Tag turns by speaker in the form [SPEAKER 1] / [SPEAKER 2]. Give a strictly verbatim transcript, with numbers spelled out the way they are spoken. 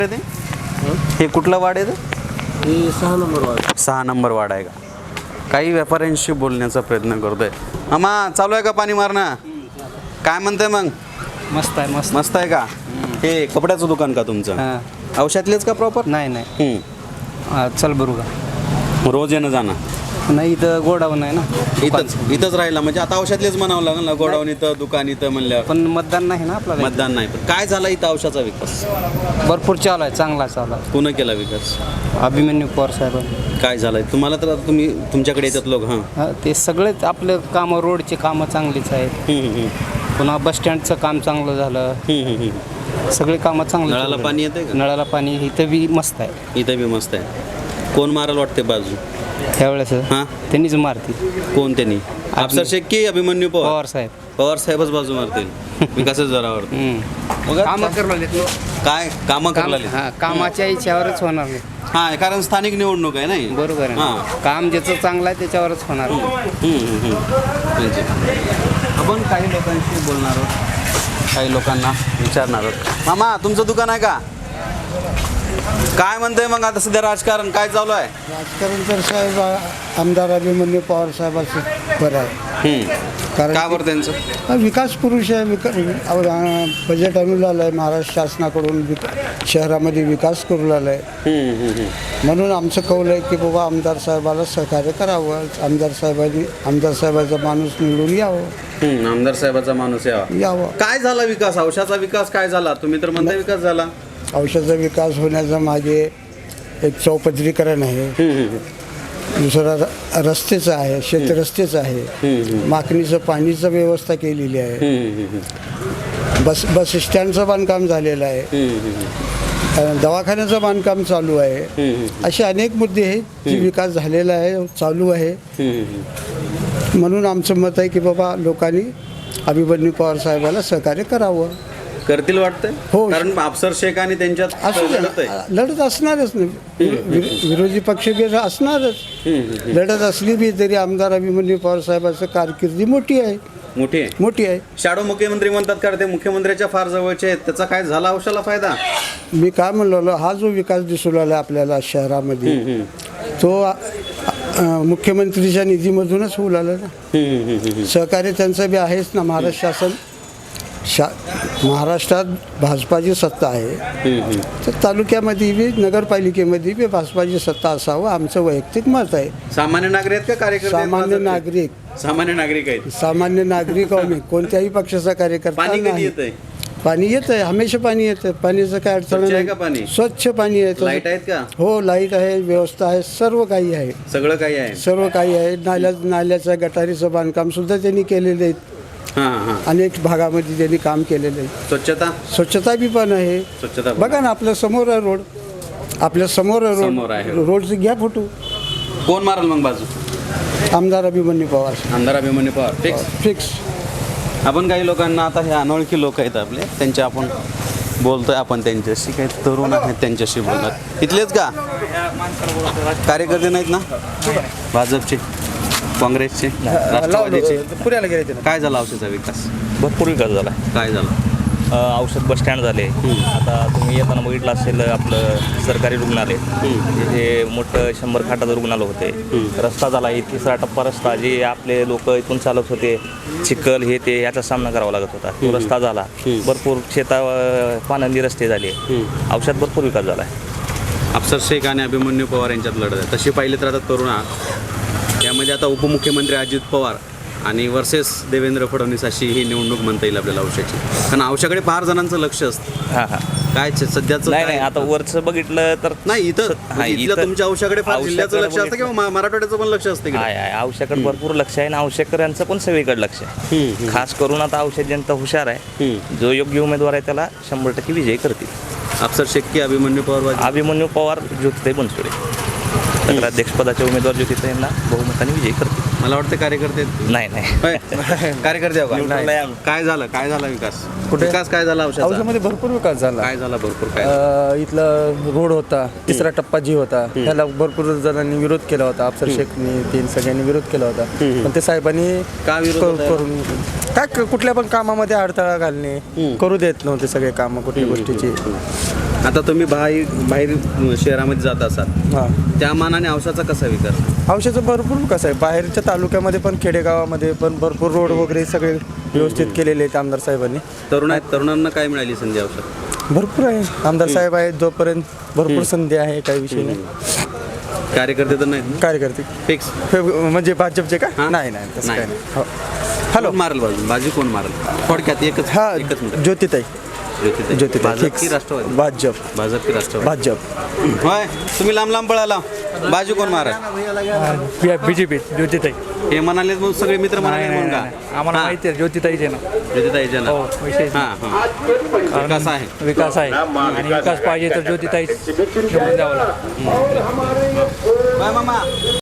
[SPEAKER 1] ते हे कुठला वाड आहे ते?
[SPEAKER 2] हे सहा नंबर वार्ड.
[SPEAKER 1] सहा नंबर वाड आहे का? काही व्यापाऱ्यांशी बोलण्याचा प्रयत्न करतोय. मामा चालू आहे का पाणी मारणं? काय म्हणतंय मग?
[SPEAKER 2] मस्त आहे मस्त.
[SPEAKER 1] मस्त आहे का? हे कपड्याचं दुकान का तुमचं?
[SPEAKER 2] हां.
[SPEAKER 1] औषधातलेच का प्रॉपर?
[SPEAKER 2] नाही नाही
[SPEAKER 1] हम्म.
[SPEAKER 2] हां, चल बरू का?
[SPEAKER 1] रोज येणं जाणं
[SPEAKER 2] नाही इथं गोडाऊन आहे ना
[SPEAKER 1] इथंच इथंच राहिला म्हणजे आता औषधातलेच म्हणावं लागेल ना. गोडाऊन इथं दुकान इथं म्हणल्यावर
[SPEAKER 2] पण मतदान नाही ना आपल्याला.
[SPEAKER 1] मतदान नाही. पण काय झाला इथं औषधाचा विकास?
[SPEAKER 2] भरपूर चालू आहे, चांगला चालू आहे.
[SPEAKER 1] कोण केला विकास?
[SPEAKER 2] अभिमन्यू पवार साहेब.
[SPEAKER 1] काय झालंय तुम्हाला? तर आता तुम्ही तुमच्याकडे येतात लोक. हां
[SPEAKER 2] हां, ते सगळेच आपलं कामं, रोडची कामं चांगलीच आहेत.
[SPEAKER 1] हम्म, हम्म,
[SPEAKER 2] पुन्हा बस स्टँडचं काम चांगलं झालं.
[SPEAKER 1] हम्म, हम्म, हम्म.
[SPEAKER 2] सगळे कामं चांगली.
[SPEAKER 1] नळाला पाणी येतंय का?
[SPEAKER 2] नळाला पाणी इथं बी मस्त आहे.
[SPEAKER 1] इथं बी मस्त आहे. कोण मारायला वाटते बाजू
[SPEAKER 2] त्यावेळेस
[SPEAKER 1] हां
[SPEAKER 2] त्यांनीच मारती.
[SPEAKER 1] कोण त्यांनी? अफसर शेख की अभिमन्यू पवार?
[SPEAKER 2] पवार साहेब.
[SPEAKER 1] पवार साहेबच बाजू मारतील विकासच जोरावर.
[SPEAKER 2] कामं करले
[SPEAKER 1] काय कामं करायला
[SPEAKER 2] हां, कामाच्या इच्छावरच होणार नाही.
[SPEAKER 1] हां कारण स्थानिक निवडणूक आहे नाही.
[SPEAKER 2] बरोबर आहे.
[SPEAKER 1] हां.
[SPEAKER 2] काम ज्याचं चांगलं आहे त्याच्यावरच होणार.
[SPEAKER 1] हम्म, हम्म, हम्म. म्हणजे आपण काही लोकांशी बोलणार आहोत, काही लोकांना विचारणार आहोत. मामा तुमचं दुकान आहे का? काय म्हणतंय मग आता सध्या राजकारण काय चालू आहे?
[SPEAKER 3] राजकारण तर साहेब आमदार अभिमन्यू पवार साहेबांचं बरं आहे.
[SPEAKER 1] हम्म.
[SPEAKER 3] कारण
[SPEAKER 1] का बरं त्यांचं?
[SPEAKER 3] हा विकास पुरुष आहे. विका बजेट आणून आलं आहे महाराष्ट्र शासनाकडून. विक शहरामध्ये विकास करू लागला आहे.
[SPEAKER 1] हम्म, हम्म, हम्म.
[SPEAKER 3] म्हणून आमचं कौल आहे की बाबा आमदार साहेबाला सहकार्य करावं. आमदार साहेबांनी आमदार साहेबाचा माणूस निवडून यावं
[SPEAKER 1] हम्म, आमदार साहेबाचा माणूस यावा.
[SPEAKER 3] यावं
[SPEAKER 1] काय झाला विकास? औषधाचा विकास काय झाला? तुम्ही तर म्हणता विकास झाला.
[SPEAKER 3] औषधाचा विकास होण्याचा मागे एक चौपदरीकरण आहे.
[SPEAKER 1] हम्म, हम्म,
[SPEAKER 3] दुसरा र- रस्तेचं आहे, शेतरस्तेचं आहे. माकणीचं पाणीचं व्यवस्था केलेली आहे.
[SPEAKER 1] हम्म, हम्म,
[SPEAKER 3] बस बस स्टँडचं बांधकाम झालेलं आहे.
[SPEAKER 1] हम्म, हम्म,
[SPEAKER 3] अ, दवाखान्याचं बांधकाम चालू आहे.
[SPEAKER 1] हम्म,
[SPEAKER 3] असे अनेक मुद्दे आहेत जे विकास झालेला आहे, चालू आहे.
[SPEAKER 1] हम्म, हम्म.
[SPEAKER 3] म्हणून आमचं मत आहे की बाबा लोकांनी अभिमन्यू पवार साहेबाला सहकार्य करावं.
[SPEAKER 1] करतील वाटतंय.
[SPEAKER 3] हो.
[SPEAKER 1] कारण अफसर शेख आणि त्यांच्यात
[SPEAKER 3] असू दे
[SPEAKER 1] लढत आहे.
[SPEAKER 3] ना, लढत असणारच नाही. विरो- विरोधी पक्ष बी असणारच. लढत असली बी तरी आमदार अभिमन्यू पवार साहेबांचं कारकिर्दी मोठी आहे.
[SPEAKER 1] मोठी आहे.
[SPEAKER 3] मोठी आहे.
[SPEAKER 1] शाडो मुख्यमंत्री म्हणतात का ते मुख्यमंत्र्याच्या फार जवळचे आहेत? त्याचा काय झाला औषधाला फायदा?
[SPEAKER 3] मी काय म्हणलो हा जो विकास दिसू लागला आपल्याला शहरामध्ये तो अ, अ, मुख्यमंत्रीच्या निधीमधूनच होऊ लागला ना. सहकार्य त्यांचं बी आहेच ना. महाराष्ट्र शासन शा महाराष्ट्रात भाजपाची सत्ता आहे. तर तालुक्यामध्ये बी नगरपालिकेमध्ये बी भाजपाची सत्ता असावं आमचं वैयक्तिक मत आहे.
[SPEAKER 1] सामान्य नागरिक आहेत का कार्यकर्ते आहेत?
[SPEAKER 3] सामान्य नागरिक
[SPEAKER 1] सामान्य नागरिक आहेत.
[SPEAKER 3] सामान्य नागरिक आहो मी. कोणत्याही पक्षाचा कार्यकर्ता
[SPEAKER 1] पाणी कधी
[SPEAKER 3] नाही.
[SPEAKER 1] येतंय?
[SPEAKER 3] पाणी येतंय, हमेशा पाणी येतं. पाण्याचं काय अडचण
[SPEAKER 1] स्वच्छ आहे का
[SPEAKER 3] नाही.
[SPEAKER 1] पाणी?
[SPEAKER 3] स्वच्छ पाणी येतं.
[SPEAKER 1] लाईट आहेत का?
[SPEAKER 3] हो लाईट आहे, व्यवस्था आहे, सर्व काही आहे.
[SPEAKER 1] सगळं काही आहे.
[SPEAKER 3] सर्व काही आहे. नाल्या नाल्याचं गटारीचं बांधकाम सुद्धा त्यांनी केलेलं आहे.
[SPEAKER 1] हां हां.
[SPEAKER 3] अनेक भागामध्ये त्यांनी काम केलेलं आहे.
[SPEAKER 1] स्वच्छता
[SPEAKER 3] स्वच्छता बी पण आहे.
[SPEAKER 1] स्वच्छता
[SPEAKER 3] बघा ना आपल्या समोर आहे रोड. आपल्या समोर आहे
[SPEAKER 1] समोर आहे.
[SPEAKER 3] रोड. रोडचं घ्या फोटो.
[SPEAKER 1] कोण मारल मग बाजू?
[SPEAKER 3] आमदार अभिमन्यू पवार
[SPEAKER 1] आमदार अभिमन्यू पवार फिक्स.
[SPEAKER 3] फिक्स.
[SPEAKER 1] आपण काही लोकांना आता हे अनोळखी लोक आहेत आपले त्यांच्या आपण बोलतोय. आपण त्यांच्याशी काही तरुण आहेत त्यांच्याशी बोलतात. इथलेच का कार्यकर्ते नाहीत ना? भाजपचे, काँग्रेसचे, राष्ट्रवादीचे?
[SPEAKER 2] पुण्याला गेले
[SPEAKER 1] काय झाला औषधाचा विकास?
[SPEAKER 4] भरपूर विकास झाला.
[SPEAKER 1] काय झाला?
[SPEAKER 4] अ, औषध बस स्टँड झाले. आता तुम्ही येताना बघितलं असेल आपलं सरकारी रुग्णालय, तिथे मोठं शंभर खाटाचं रुग्णालय होते. रस्ता झाला. हे तिसरा टप्पा रस्ता जे आपले लोक इथून चालत होते चिखल हे ते याचा सामना करावा लागत होता, तो रस्ता झाला. भरपूर शेता पानंदी रस्ते झाले. औषध भरपूर विकास झाला आहे.
[SPEAKER 1] अफसर शेख आणि अभिमन्यू पवार यांच्यात लढत आहे. तशी पाहिली तर आता तरुण आहात. यामध्ये आता उपमुख्यमंत्री अजित पवार आणि वर्सेस देवेंद्र फडणवीस अशी ही निवडणूक म्हणता येईल आपल्याला औषधाची. कारण औषधाकडे फार जणांचं लक्ष असतं.
[SPEAKER 4] हां हां.
[SPEAKER 1] काय च- सध्याचं
[SPEAKER 4] नाही
[SPEAKER 1] काय-
[SPEAKER 4] नाही आता वरचं बघितलं तर
[SPEAKER 1] नाही इथं
[SPEAKER 4] हां,
[SPEAKER 1] म्हणजे इथल्या
[SPEAKER 4] इथं
[SPEAKER 1] तुमच्या औषधाकडे फार जिल्ह्याचं
[SPEAKER 4] औषधाकडे
[SPEAKER 1] लक्ष असतं
[SPEAKER 4] बघितलं-
[SPEAKER 1] किंवा मा- मराठवाड्याचं पण लक्ष असतं
[SPEAKER 4] आहे आहे औषधाकडे भरपूर लक्ष आहे आणि औषधकऱ्यांचं पण सगळीकडे लक्ष आहे. खास करून आता औषध जनता हुशार आहे. जो योग्य उमेदवार आहे त्याला शंभर टक्के विजयी करतील.
[SPEAKER 1] अफसर शेख की अभिमन्यू पवार बाजू?
[SPEAKER 4] अभिमन्यू पवार ज्योतिताई बनसोडे नगराध्यक्षपदाचे उमेदवार ज्योतिताई यांना बहुमताने विजयी करतील.
[SPEAKER 1] मला वाटतं कार्यकर्ते आहेत.
[SPEAKER 4] नाही नाही
[SPEAKER 1] होय? कार्यकर्ते आहो का?
[SPEAKER 4] नाही.
[SPEAKER 1] काय झालं काय झाला विकास
[SPEAKER 5] कुठे?
[SPEAKER 1] विकास काय झाला औषधाचा?
[SPEAKER 5] औषधामध्ये भरपूर विकास झाला.
[SPEAKER 1] काय झाला भरपूर काय
[SPEAKER 5] अ, इथला रोड होता, तिसरा टप्पा जी होता त्याला भरपूर जणांनी विरोध केला होता. अफसर शेखनी तीन सगळ्यांनी विरोध केला होता. पण ते साहेबांनी
[SPEAKER 1] का विरोध
[SPEAKER 5] करू-
[SPEAKER 1] होता?
[SPEAKER 5] करून काय क- कुठल्या पण कामामध्ये अडथळा घालणे करू देत नव्हते सगळे कामं कुठल्या गोष्टीची.
[SPEAKER 1] आता तुम्ही बाहेर बाहेर शहरामध्ये जात असाल
[SPEAKER 5] हां
[SPEAKER 1] त्या मानाने औषधाचा कसा विकास?
[SPEAKER 5] औषधाचा भरपूर विकास आहे. बाहेरच्या तालुक्यामध्ये पण खेडेगावामध्ये पण भरपूर रोड वगैरे सगळे व्यवस्थित केलेले आहेत आमदार साहेबांनी.
[SPEAKER 1] तरुण आहेत तरुणांना काय मिळाली संधी औषध?
[SPEAKER 5] भरपूर आहे आमदार साहेब आहेत जोपर्यंत भरपूर संधी आहे काही विषय नाही.
[SPEAKER 1] कार्यकर्ते तर नाहीत ना?
[SPEAKER 5] कार्यकर्ते
[SPEAKER 1] फिक्स
[SPEAKER 5] हे म्हणजे भाजपचे का
[SPEAKER 1] हां?
[SPEAKER 5] नाही नाही तसं
[SPEAKER 1] नाही.
[SPEAKER 5] काही नाही. हो. हॅलो
[SPEAKER 1] कोण मारेल बाजू बाजू कोण मारेल थोडक्यात एकच
[SPEAKER 5] हा
[SPEAKER 1] एकच मिनिट
[SPEAKER 5] ज्योतिताई
[SPEAKER 1] ज्योतिताई.
[SPEAKER 5] ज्योतिताई
[SPEAKER 1] भाजप
[SPEAKER 5] फिक्स
[SPEAKER 1] की राष्ट्रवादी?
[SPEAKER 5] भाजप
[SPEAKER 1] भाजप की राष्ट्रवादी?
[SPEAKER 5] भाजप
[SPEAKER 1] होय तुम्ही लांब लांब पळाला बाजू कोण मारा
[SPEAKER 6] बीजेपी ज्योतिताई
[SPEAKER 1] हे म्हणाले मग सगळे मित्र म्हणाले म्हणून का?
[SPEAKER 6] आम्हाला
[SPEAKER 1] हां.
[SPEAKER 6] माहिती आहे ज्योतिताईचे ना
[SPEAKER 1] ज्योतिताईच्या ना?
[SPEAKER 6] हो विषय
[SPEAKER 1] हां हां विकास आहे
[SPEAKER 6] विकास आहे आणि विकास पाहिजे तर ज्योतिताई निवडून द्यावं लागतं
[SPEAKER 1] बाय मामा